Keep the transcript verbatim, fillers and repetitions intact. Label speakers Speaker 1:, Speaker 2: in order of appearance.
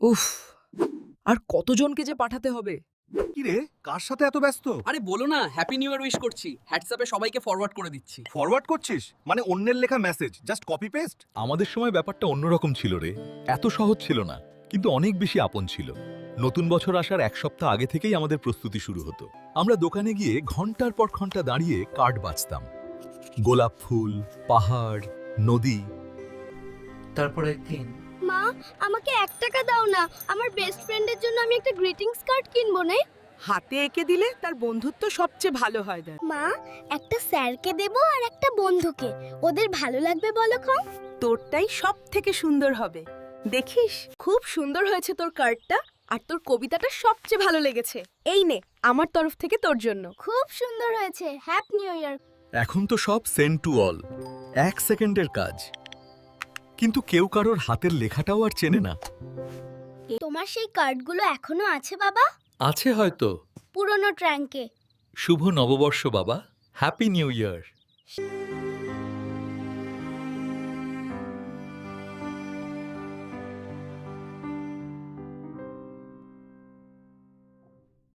Speaker 1: উফ, আর কতজনকে যে পাঠাতে হবে?
Speaker 2: কি রে, কার সাথে এত ব্যস্ত?
Speaker 3: আরে বলো না, হ্যাপি নিউ ইয়ার উইশ করছি, হোয়াটসঅ্যাপে সবাইকে ফরওয়ার্ড করে দিচ্ছি।
Speaker 2: ফরওয়ার্ড করছিস? মানে অন্যের লেখা মেসেজ জাস্ট কপি পেস্ট?
Speaker 4: আমাদের সময় ব্যাপারটা অন্যরকম ছিল রে। এত সহজ ছিল না, কিন্তু অনেক বেশি আপন ছিল। নতুন বছর আসার এক সপ্তাহ আগে থেকেই আমাদের প্রস্তুতি শুরু হতো। আমরা দোকানে গিয়ে ঘন্টার পর ঘন্টা দাঁড়িয়ে কার্ড বাছতাম। গোলাপ ফুল, পাহাড়, নদী।
Speaker 5: তারপর একদিন
Speaker 6: মা, আমাকে এক টাকা দাও না, আমার বেস্ট ফ্রেন্ডের জন্য আমি একটা গ্রিটিংস কার্ড কিনবো না।
Speaker 7: হাতে এঁকে দিলে তার বন্ধুত্ব সবচেয়ে ভালো হয় দেখ।
Speaker 6: মা, একটা স্যারকে দেবো আর একটা বন্ধুকে, ওদের ভালো লাগবে বলো কম।
Speaker 7: তোরটাই সব থেকে সুন্দর হবে। দেখিস, খুব সুন্দর হয়েছে তোর কার্ডটা, আর তোর কবিতাটা সবচেয়ে ভালো লেগেছে। এই নে, আমার তরফ থেকে তোর জন্য।
Speaker 6: খুব সুন্দর হয়েছে, হ্যাপি নিউ ইয়ার।
Speaker 4: এখন তো সব সেন্ড টু অল, এক সেকেন্ডের কাজ। কিন্তু কেউ কারোর হাতের লেখাটাও আর চেনে না।
Speaker 6: তোমার সেই কার্ডগুলো এখনো আছে বাবা?
Speaker 4: আছে হয়তো।
Speaker 6: পুরনো ট্র্যাঙ্কে।
Speaker 4: শুভ নববর্ষ বাবা, হ্যাপি নিউ ইয়ার।